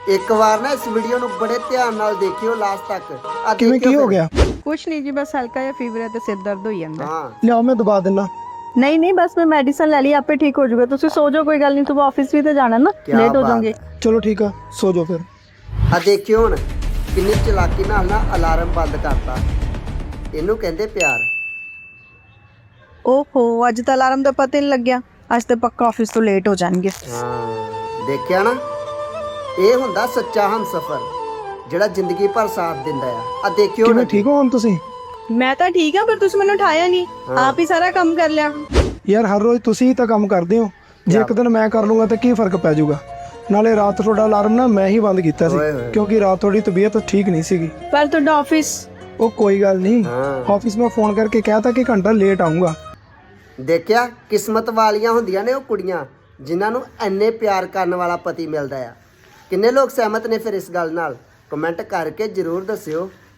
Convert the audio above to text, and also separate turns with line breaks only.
ਇੱਕ ਵਾਰ ਨਾ ਇਸ ਵੀਡੀਓ ਨੂੰ ਬੜੇ ਧਿਆਨ ਨਾਲ ਦੇਖਿਓ ਲਾਸਟ ਤੱਕ। ਆ
ਕਿਵੇਂ ਕੀ ਹੋ ਗਿਆ?
ਕੁਛ ਨਹੀਂ ਜੀ, ਬਸ ਹਲਕਾ ਜਿਹਾ ਫੀਵਰ ਹੈ ਤੇ ਸਿਰ ਦਰਦ ਹੋਈ ਜਾਂਦਾ।
ਹਾਂ
ਲਿਆਓ ਮੈਂ ਦਬਾ ਦਿੰਦਾ।
ਨਹੀਂ ਨਹੀਂ, ਬਸ ਮੈਂ ਮੈਡੀਸਨ ਲੈ ਲਈ, ਆਪੇ ਠੀਕ ਹੋ ਜਾਊਗਾ। ਤੁਸੀਂ ਸੋ ਜਾਓ, ਕੋਈ ਗੱਲ ਨਹੀਂ, ਤੁਸੀਂ ਆਫਿਸ ਵੀ ਤੇ ਜਾਣਾ ਨਾ,
ਕਿਆ
ਲੇਟ ਹੋ
ਬਾਤ
ਜਾਓਗੇ।
ਹੈ।
ਚਲੋ ਠੀਕ ਆ, ਸੋ ਜਾਓ ਫਿਰ।
ਆ ਦੇਖਿਓ ਹੁਣ ਕਿੰਨੀ ਚਲਾਕੀ ਨਾਲ ਨਾ ਅਲਾਰਮ ਬੰਦ ਕਰਤਾ। ਇਹਨੂੰ ਕਹਿੰਦੇ ਪਿਆਰ।
ਓਹੋ, ਅੱਜ ਤਾਂ ਅਲਾਰਮ ਦਾ ਪਤਾ ਹੀ ਨਹੀਂ ਲੱਗਿਆ। ਅੱਜ ਤਾਂ ਪੱਕਾ ਆਫਿਸ ਤੋਂ ਲੇਟ ਹੋ ਜਾਣਗੇ।
ਹਾਂ ਦੇਖਿਆ ਨਾ, ਇਹ ਹੁੰਦਾ ਸੱਚਾ ਹਮਸਫਰ ਜਿਹੜਾ ਜ਼ਿੰਦਗੀ ਭਰ ਸਾਥ ਦਿੰਦਾ ਆ। ਆ ਦੇਖਿਓ
ਕਿਵੇਂ
ਨਾ
ਠੀਕ ਹੋ ਹੁਣ ਤੁਸੀਂ?
ਮੈਂ ਤਾਂ ਠੀਕ ਆ, ਪਰ ਤੁਸੀਂ ਮੈਨੂੰ ਉਠਾਇਆ ਨਹੀਂ, ਆਪ ਹੀ ਸਾਰਾ ਕੰਮ ਕਰ ਲਿਆ।
ਯਾਰ ਹਰ ਰੋਜ਼ ਤੁਸੀਂ ਹੀ ਤਾਂ ਕੰਮ ਕਰਦੇ ਹੋ, ਜੇ ਇੱਕ ਦਿਨ ਮੈਂ ਕਰ ਲੂੰਗਾ ਤਾਂ ਕੀ ਫਰਕ ਪੈ ਜਾਊਗਾ? ਨਾਲੇ ਰਾਤ ਤੁਹਾਡਾ ਅਲਾਰਮ ਨਾ ਮੈਂ ਹੀ ਬੰਦ ਕੀਤਾ ਸੀ,
ਓਏ ਹੋਏ।
ਕਿਉਂਕਿ ਰਾਤ ਤੁਹਾਡੀ ਤਬੀਅਤ ਠੀਕ ਨਹੀਂ ਸੀਗੀ।
ਪਰ ਤੁਹਾਡਾ ਆਫਿਸ।
ਉਹ ਕੋਈ ਗੱਲ ਨਹੀਂ,
ਹਾਂ।
ਆਫਿਸ ਮੈਂ ਫੋਨ ਕਰਕੇ ਕਹਿਤਾ ਕਿ ਘੰਟਾ ਲੇਟ ਆਉਂਗਾ।
ਦੇਖਿਆ, ਕਿਸਮਤ ਵਾਲੀਆਂ ਹੁੰਦੀਆਂ ਨੇ ਉਹ ਕੁੜੀਆਂ ਜਿਨ੍ਹਾਂ ਨੂੰ ਇੰਨੇ ਪਿਆਰ ਕਰਨ ਵਾਲਾ ਪਤੀ ਮਿਲਦਾ ਆ। ਕਿੰਨੇ ਲੋਕ ਸਹਿਮਤ ਨੇ ਫਿਰ ਇਸ ਗੱਲ ਨਾਲ? ਕਮੈਂਟ ਕਰਕੇ ਜ਼ਰੂਰ ਦੱਸਿਓ।